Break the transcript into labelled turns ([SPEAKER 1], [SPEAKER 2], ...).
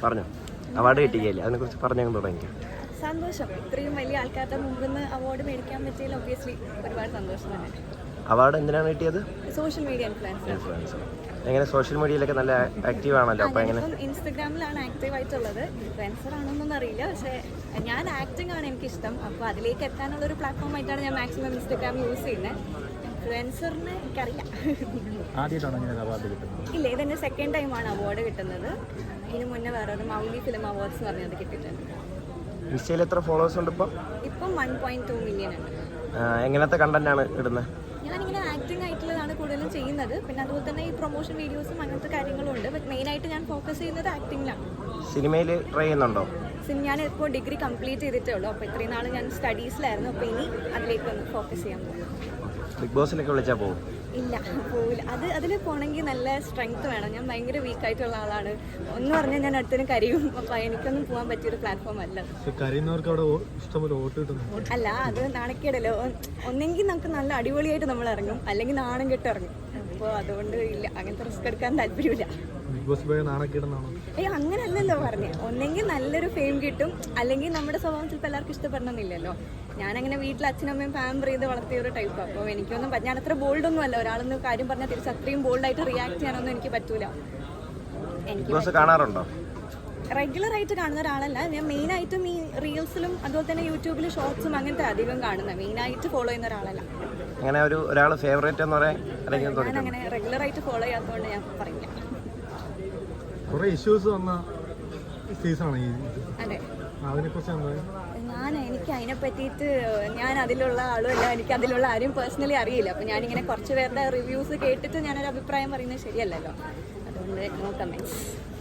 [SPEAKER 1] പറഞ്ഞു അവാർഡ് കിട്ടിയില്ലേ, അതിനെക്കുറിച്ച് പറഞ്ഞു തുടങ്ങി.
[SPEAKER 2] സന്തോഷം. ഇത്രയും വലിയ ആൾക്കാരുടെ മുമ്പിൽ നിന്ന് അവാർഡ് മേടിക്കാൻ പറ്റിയതിൽ ഒബ്വിയസ്ലി ഒരുപാട് സന്തോഷം തന്നെ.
[SPEAKER 1] അവാർഡ് എന്തിനാണ് കിട്ടിയത്?
[SPEAKER 2] Social media influencer.
[SPEAKER 1] എങ്ങനെ സോഷ്യൽ മീഡിയയിലൊക്കെ നല്ല ആക്റ്റീവ് ആണല്ലോ, അപ്പോൾ എങ്ങനെ?
[SPEAKER 2] ഇൻസ്റ്റഗ്രാമിലാണ് ആക്റ്റീവ് ആയിട്ടുള്ളത്. ഇൻഫ്ലുവൻസർ ആണോന്നൊന്നും അറിയില്ല, പക്ഷേ ഞാൻ ആക്ടിംഗ് ആണ് എനിക്കിഷ്ടം. അപ്പോൾ അതിലേക്ക് എത്താനുള്ള ഒരു പ്ലാറ്റ്ഫോം ആയിട്ടാണ് ഞാൻ മാക്സിമം ഇൻസ്റ്റഗ്രാം യൂസ് ചെയ്യുന്നത്. ഇൻഫ്ലുവൻസറിന് എനിക്കറിയില്ല. ഇല്ല, ഇതെൻ്റെ സെക്കൻഡ് ടൈമാണ് അവാർഡ് കിട്ടുന്നത്. ഇതിന് മുന്നേ വേറൊരു മൗലി ഫിലിം അവാർഡ്സ് പറഞ്ഞത് കിട്ടിയിട്ടുണ്ട്.
[SPEAKER 1] ഇൻസ്റ്റയിൽ എത്ര ഫോളോവേഴ്സ് ഉണ്ട് ഇപ്പം?
[SPEAKER 2] 1.2 മില്യൺ ഉണ്ട്.
[SPEAKER 1] എങ്ങനത്തെ കണ്ടന്റ് ആണ് ഇടുന്നത്?
[SPEAKER 2] ഞാനിങ്ങനെ ആക്ടിംഗ് ആയിട്ടുള്ളതാണ് കൂടുതലും ചെയ്യുന്നത്. പിന്നെ അതുപോലെ തന്നെ ഈ പ്രൊമോഷൻ വീഡിയോസും അങ്ങനത്തെ കാര്യങ്ങളും ഉണ്ട്. ബട്ട് മെയിനായിട്ട് ഞാൻ ഫോക്കസ് ചെയ്യുന്നത് ആക്ടിങ്ങിലാണ്.
[SPEAKER 1] സിനിമയിൽ ട്രൈ ചെയ്യുന്നുണ്ടോ?
[SPEAKER 2] ഞാൻ ഇപ്പോൾ ഡിഗ്രി കംപ്ലീറ്റ് ചെയ്തിട്ടേ ഉള്ളൂ. അപ്പോൾ ഇത്രയും നാൾ ഞാൻ സ്റ്റഡീസിലായിരുന്നു. അപ്പോൾ ഇനി അതിലേക്കൊന്ന് ഫോക്കസ് ചെയ്യാൻ പോകും.
[SPEAKER 1] ബിഗ് ബോസിലൊക്കെ വിളിച്ചാൽ പോകും? ഇല്ല,
[SPEAKER 2] പോവില്ല. അതിൽ പോകണമെങ്കിൽ നല്ല സ്ട്രെങ്ത് വേണം. ഞാൻ ഭയങ്കര വീക്കായിട്ടുള്ള ആളാണ്. ഒന്ന് പറഞ്ഞാൽ ഞാൻ അടുത്തതിന് കരയും. അപ്പോൾ എനിക്കൊന്നും പോകാൻ പറ്റിയൊരു പ്ലാറ്റ്ഫോം അല്ല. അല്ല, അത് നാണക്കേടല്ലോ. ഒന്നെങ്കിൽ നമുക്ക് നല്ല അടിപൊളിയായിട്ട് നമ്മൾ ഇറങ്ങും, അല്ലെങ്കിൽ നാണം കെട്ട് ഇറങ്ങും. അപ്പോൾ അതുകൊണ്ട് ഇല്ല, അങ്ങനത്തെ റിസ്ക് എടുക്കാൻ താല്പര്യമില്ല. അങ്ങനല്ലല്ലോ പറഞ്ഞേ. ഒന്നെങ്കിൽ നല്ലൊരു ഫെയിം കിട്ടും, അല്ലെങ്കിൽ നമ്മുടെ സ്വഭാവം ചിലപ്പോൾ എല്ലാവർക്കും ഇഷ്ടപ്പെടണമെന്നില്ലല്ലോ. ഞാനങ്ങനെ വീട്ടിൽ അച്ഛനമ്മയും പാമ്പർ ചെയ്ത് വളർത്തിയ ഒരു ടൈപ്പാണ്. അപ്പോൾ എനിക്കൊന്നും ഞാൻ അത്ര ബോൾഡൊന്നും അല്ല. ഒരാളൊന്ന് കാര്യം പറഞ്ഞാൽ തിരിച്ച് അത്രയും ബോൾഡായിട്ട് റിയാക്ട് ചെയ്യാനൊന്നും എനിക്ക് പറ്റൂല. എനിക്ക്
[SPEAKER 1] കാണാറുണ്ടോ?
[SPEAKER 2] റെഗുലർ ആയിട്ട് കാണുന്ന ഒരാളല്ല ഞാൻ. മെയിനായിട്ടും ഈ റീൽസിലും അതുപോലെ തന്നെ യൂട്യൂബിൽ ഷോർട്സും അങ്ങനത്തെ അധികം കാണുന്നത്. മെയിനായിട്ട് ഫോളോ ചെയ്യുന്ന ഒരാളല്ല.
[SPEAKER 1] അങ്ങനെ ഒരാൾ ഫേവറേറ്റ് എന്ന് പറയാൻ
[SPEAKER 2] ഞാൻ അങ്ങനെ റെഗുലർ ആയിട്ട് ഫോളോ ചെയ്യാത്തതുകൊണ്ട് ഞാൻ പറയില്ല. അതെ, എനിക്ക് അതിനെ പറ്റിയിട്ട് ഞാൻ അതിലുള്ള ആളുമല്ല. എനിക്ക് അതിലുള്ള ആരും പേഴ്സണലി അറിയില്ല. അപ്പോൾ ഞാനിങ്ങനെ കുറച്ച് പേരുടെ റിവ്യൂസ് കേട്ടിട്ട് ഞാനൊരു അഭിപ്രായം പറയുന്നത് ശരിയല്ലല്ലോ. അതുകൊണ്ട് നോ കമൻറ്റ്സ്.